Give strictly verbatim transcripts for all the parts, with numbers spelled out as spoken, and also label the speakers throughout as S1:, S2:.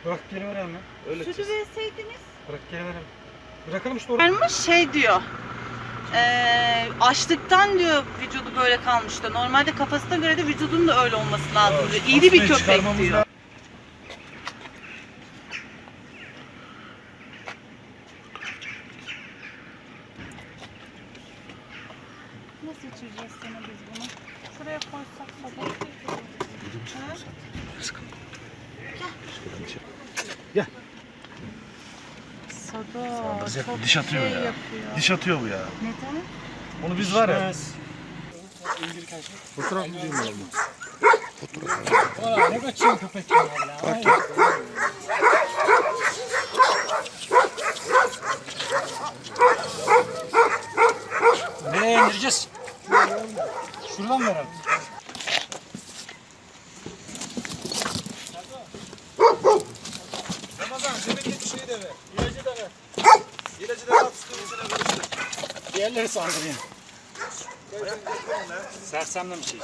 S1: Bırak geri verelim ya.
S2: Öyle
S3: Sütü
S2: çiz.
S3: verseydiniz.
S1: Bırak geri verelim. Bırakalım işte orada.
S3: Vermiş şey diyor. Eee açlıktan diyor vücudu böyle kalmış diyor. Normalde kafasına göre de vücudunun da öyle olması lazım diyor. İri bir
S1: Kafayı
S3: köpek
S1: çıkarmamız
S3: diyor.
S1: lazım.
S3: Nasıl içireceğiz sana biz bunu? Şuraya koysak sabah.
S2: Gel.
S3: Sada
S2: Saldıracak,
S3: çok
S2: diş atıyor
S3: şey
S2: ya.
S3: yapıyor.
S2: Diş atıyor bu ya.
S3: Neden?
S2: Onu biz var ya.
S1: Fotoğraf mı diyeyim oğlum?
S4: Valla ne kaçıyor köpek ya valla. Nereye indireceğiz? Şuradan mı verelim?
S2: Ramazan zemindeki şeyi de ver. İlacı da ver. İlacı da at.
S4: Diğerleri saldırıyor. Sersemle bir şey.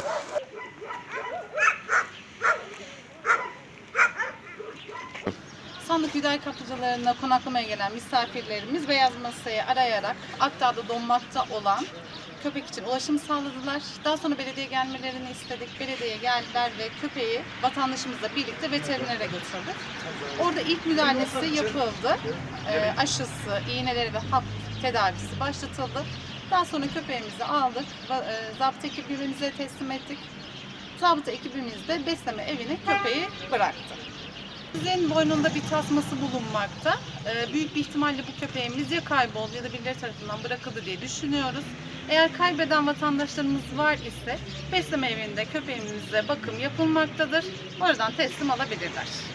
S3: Sandık Hüdayi kaplıcalarına konaklamaya gelen misafirlerimiz beyaz masayı arayarak Akdağ'da donmakta olan köpek için ulaşım sağladılar. Daha sonra belediye gelmelerini istedik. Belediyeye geldiler ve köpeği vatandaşımızla birlikte veterinere götürdük. Orada ilk müdahalesi yapıldı. Ee, aşısı, iğneleri ve hap tedavisi başlatıldı. Daha sonra köpeğimizi aldık. va- e, Zabıta ekibimize teslim ettik. Zabıta ekibimiz de besleme evine köpeği bıraktı. Köpeğimizin boynunda bir tasması bulunmakta. Ee, büyük bir ihtimalle bu köpeğimiz ya kayboldu ya da birileri tarafından bırakıldı diye düşünüyoruz. Eğer kaybeden vatandaşlarımız var ise besleme evinde köpeğimize bakım yapılmaktadır. Oradan teslim alabilirler.